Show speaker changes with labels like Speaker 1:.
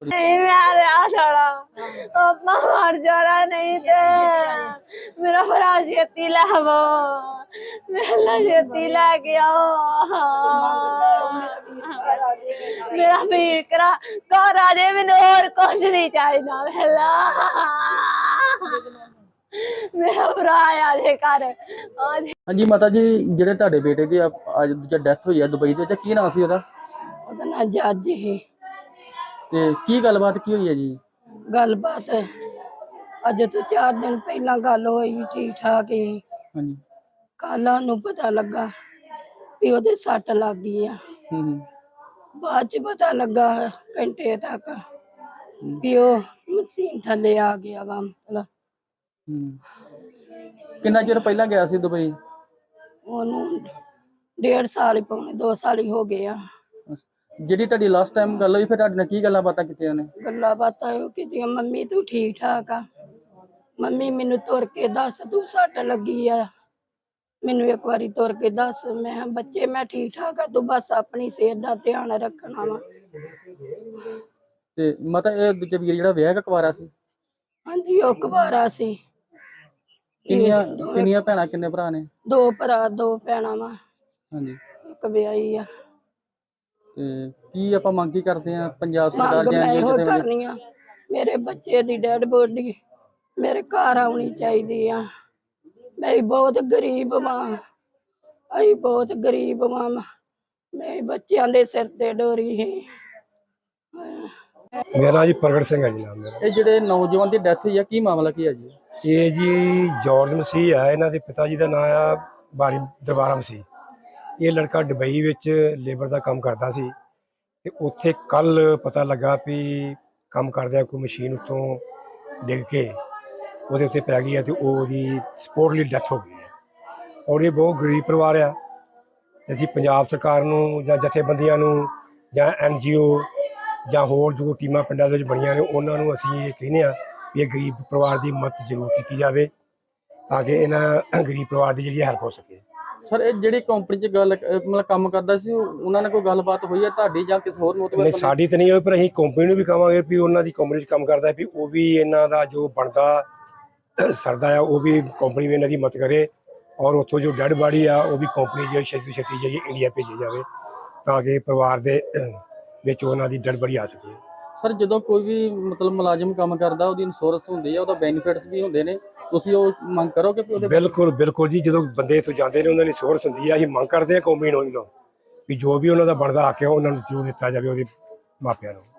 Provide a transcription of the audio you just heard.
Speaker 1: नहीं मैं आ छोड़ा अपना मर जाना नहीं थे मेरा भरा छेती लावो मेरा छेती ला के आओ मेरा वीर करा घर आ जाए मैंने और कुछ नहीं चाहिए मेला मेरा भरा आ जाए घर
Speaker 2: ਹਾਂਜੀ ਮਾਤਾ ਜੀ, ਜਿਹੜੇ ਤੁਹਾਡੇ ਬੇਟੇ ਦੀ ਅੱਜ ਡੈਥ ਹੋਈ ਆ ਦੁਬਈ ਦੇ ਵਿੱਚ, ਕੀ ਨਾਂ ਸੀ ਉਹਦਾ
Speaker 1: ਉਹਦਾ ਨਾਂ ਜੱਜ ਹੀ
Speaker 2: ਤੇ ਕੀ ਗੱਲਬਾਤ ਕੀ ਹੋਈ ਹੈ ਜੀ?
Speaker 1: ਗੱਲਬਾਤ ਅੱਜ ਤੋਂ 4 ਦਿਨ ਪਹਿਲਾਂ ਗੱਲ ਹੋਈ, ਠੀਕ ਠਾਕ ਹੀ।
Speaker 2: ਹਾਂਜੀ।
Speaker 1: ਕੱਲ ਨੂੰ ਪਤਾ ਲੱਗਾ ਵੀ ਉਹਦੇ ਸੱਟ ਲੱਗ ਗਈ ਆ। ਬਾਅਦ ਚ ਪਤਾ ਲੱਗਾ ਘੰਟੇ ਤੱਕ ਵੀ ਉਹ ਮਸ਼ੀਨ ਥੱਲੇ ਆ ਗਿਆ ਵਾ। ਮਤਲਬ
Speaker 2: ਕਿੰਨਾ ਚਿਰ ਪਹਿਲਾਂ ਗਿਆ ਸੀ ਦੁਬਈ?
Speaker 1: ਉਹਨੂੰ 1.5 ਸਾਲ ਹੀ, ਪੌਣੇ 2 ਸਾਲ ਹੀ ਹੋ ਗਏ ਆ।
Speaker 2: ਜਿਹੜੀ ਤੁਹਾਡੀ ਲਾਸਟ ਟਾਈਮ ਗੱਲ ਹੋਈ, ਫਿਰ ਤੁਹਾਡੇ ਨਾਲ ਕੀ ਗੱਲਾਂ ਬਾਤਾਂ ਕੀਤੀਆਂ ਨੇ?
Speaker 1: ਗੱਲਾਂ ਬਾਤਾਂ ਉਹ ਕੀਤੀਆਂ, ਮੰਮੀ ਤੂੰ ਠੀਕ ਠਾਕ ਆ? ਮੰਮੀ ਮੈਨੂੰ ਤੁਰ ਕੇ ਦੱਸ ਤੂੰ ਸੱਟ ਲੱਗੀ ਆ, ਮੈਨੂੰ ਇੱਕ ਵਾਰੀ ਤੁਰ ਕੇ ਦੱਸ। ਮੈਂ ਕਿਹਾ ਬੱਚੇ ਮੈਂ ਠੀਕ ਠਾਕ ਆ, ਤੂੰ ਬਸ ਆਪਣੀ ਸਿਹਤ ਦਾ ਧਿਆਨ ਰੱਖਣਾ ਵਾ।
Speaker 2: ਤੇ ਮਾਤਾ ਇਹ ਦੂਜਾ ਵੀਰ ਜਿਹੜਾ ਵਿਆਹ ਕੁਆਰਾ ਸੀ?
Speaker 1: ਹਾਂਜੀ ਉਹ ਕੁਵਾਰਾ ਸੀ।
Speaker 2: ਕਿੰਨੀਆਂ ਭੈਣਾਂ ਕਿੰਨੇ ਭਰਾ ਨੇ?
Speaker 1: 2 ਭਰਾ 2 ਭੈਣਾਂ ਵਾ।
Speaker 2: ਹਾਂਜੀ।
Speaker 1: ਇੱਕ ਵਿਆਹੀ ਆ।
Speaker 2: ਤੇ ਕੀ ਆਪਾਂ ਮੰਗ ਕੀ ਕਰਦੇ ਆ ਪੰਜਾਬ ਸਰਕਾਰ
Speaker 1: ਮੰਗ ਮੈਂ ਇਹੋ
Speaker 2: ਜਾਂ
Speaker 1: ਕਰਨੀ ਆ, ਮੇਰੇ ਬੱਚੇ ਦੀ ਡੈਡ ਬੋਡੀ ਮੇਰੇ ਘਰ ਆਉਣੀ ਚਾਹੀਦੀ ਆ। ਮੈਂ ਬਹੁਤ ਗਰੀਬ ਵਾਂ, ਅਸੀਂ ਬਹੁਤ ਗਰੀਬ ਵਾਂ। ਮੈਂ ਬੱਚਿਆਂ ਦੇ ਸਿਰ ਤੇ ਡੋਰੀ ਹੈ।
Speaker 3: ਮੇਰਾ ਜੀ ਪ੍ਰਗਟ ਸਿੰਘ ਹੈ ਜੀ ਨਾਮ ਮੇਰਾ।
Speaker 2: ਇਹ ਜਿਹੜੇ ਨੌਜਵਾਨ ਦੀ ਡੈਥ ਹੋਈ ਆ, ਕੀ ਮਾਮਲਾ ਕੀ ਹੈ ਜੀ?
Speaker 3: ਇਹ ਜੀ ਜਾਰਜ ਮਸੀਹ ਆ, ਇਹਨਾਂ ਦੇ ਪਿਤਾ ਜੀ ਦਾ ਨਾਮ ਆ ਬਾਰੀ ਦਰਬਾਰਾ ਮਸੀਹ। ਇਹ ਲੜਕਾ ਦੁਬਈ ਵਿੱਚ ਲੇਬਰ ਦਾ ਕੰਮ ਕਰਦਾ ਸੀ ਤੇ ਉੱਥੇ ਕੱਲ ਪਤਾ ਲੱਗਾ ਵੀ ਕੰਮ ਕਰਦਿਆਂ ਕੋਈ ਮਸ਼ੀਨ ਉੱਤੋਂ ਡਿੱਗ ਕੇ ਉਹਦੇ ਉੱਤੇ ਪੈ ਗਈ ਹੈ ਤੇ ਉਹਦੀ ਸਪੋਰਟਲੀ ਡੈਥ ਹੋ ਗਈ ਹੈ। ਔਰ ਇਹ ਬਹੁਤ ਗਰੀਬ ਪਰਿਵਾਰ ਆ। ਅਸੀਂ ਪੰਜਾਬ ਸਰਕਾਰ ਨੂੰ ਜਾਂ ਜਥੇਬੰਦੀਆਂ ਨੂੰ ਜਾਂ NGO ਜਾਂ ਹੋਰ ਜੋ ਟੀਮਾਂ ਪਿੰਡਾਂ ਦੇ ਵਿੱਚ ਬਣੀਆਂ ਨੇ ਉਹਨਾਂ ਨੂੰ ਅਸੀਂ ਇਹ ਕਹਿੰਦੇ ਹਾਂ ਵੀ ਇਹ ਗਰੀਬ ਪਰਿਵਾਰ ਦੀ ਮਦਦ ਜ਼ਰੂਰ ਕੀਤੀ ਜਾਵੇ ਤਾਂ ਕਿ ਇਹਨਾਂ ਗਰੀਬ ਪਰਿਵਾਰ ਦੀ ਜਿਹੜੀ ਹੈਲਪ ਹੋ ਸਕੇ।
Speaker 2: ਸਰ ਇਹ ਜਿਹੜੀ ਕੰਪਨੀ 'ਚ ਗੱਲ ਮਤਲਬ ਕੰਮ ਕਰਦਾ ਸੀ, ਉਹਨਾਂ ਨਾਲ ਕੋਈ ਗੱਲਬਾਤ ਹੋਈ ਹੈ ਤੁਹਾਡੀ ਜਾਂ ਕਿਸੇ ਹੋਰ ਮੋਤਬਰ?
Speaker 3: ਨਹੀਂ, ਸਾਡੀ ਤਾਂ ਨਹੀਂ ਹੋਈ, ਪਰ ਅਸੀਂ ਕੰਪਨੀ ਨੂੰ ਵੀ ਕਹਾਂਗੇ ਵੀ ਉਹਨਾਂ ਦੀ ਕੰਪਨੀ 'ਚ ਕੰਮ ਕਰਦਾ ਵੀ ਉਹ ਵੀ ਇਹਨਾਂ ਦਾ ਜੋ ਬਣਦਾ ਸਰਦਾ ਆ ਉਹ ਵੀ ਕੰਪਨੀ ਵੀ ਇਹਨਾਂ ਦੀ ਮਦਦ ਕਰੇ। ਔਰ ਉੱਥੋਂ ਜੋ ਡੈਡ ਬਾਡੀ ਆ ਉਹ ਵੀ ਕੰਪਨੀ ਜਿਹੜੀ ਛੇਤੀ ਜਿਹੜੀ ਇੰਡੀਆ ਭੇਜੀ ਜਾਵੇ ਤਾਂ ਕਿ ਪਰਿਵਾਰ ਦੇ ਵਿੱਚ ਉਹਨਾਂ ਦੀ ਡੈਡ ਬਾਡੀ ਆ ਸਕੇ।
Speaker 2: ਸਰ ਜਦੋਂ ਕੋਈ ਵੀ ਮਤਲਬ ਮੁਲਾਜ਼ਮ ਕੰਮ ਕਰਦਾ ਉਹਦੀ ਇੰਸ਼ੋਰੈਂਸ ਹੁੰਦੀ ਹੈ, ਉਹਦਾ ਬੈਨੀਫਿਟਸ ਵੀ ਹੁੰਦੇ ਨੇ, ਤੁਸੀਂ ਉਹ ਮੰਗ ਕਰੋਗੇ ਕਿ ਉਹਦੇ?
Speaker 3: ਬਿਲਕੁਲ ਬਿਲਕੁਲ ਜੀ, ਜਦੋਂ ਬੰਦੇ ਇੱਥੋਂ ਜਾਂਦੇ ਨੇ ਉਹਨਾਂ ਦੀ ਇੰਸ਼ੋਰੈਂਸ ਹੁੰਦੀ ਆ। ਅਸੀਂ ਮੰਗ ਕਰਦੇ ਹਾਂ ਕੰਪਨੀ ਨੂੰ ਵੀ ਜੋ ਵੀ ਉਹਨਾਂ ਦਾ ਬਣਦਾ ਹੱਕ ਹੈ ਉਹਨਾਂ ਨੂੰ ਜ਼ਰੂਰ ਦਿੱਤਾ ਜਾਵੇ ਉਹਦੇ ਮਾਪਿਆਂ ਨੂੰ।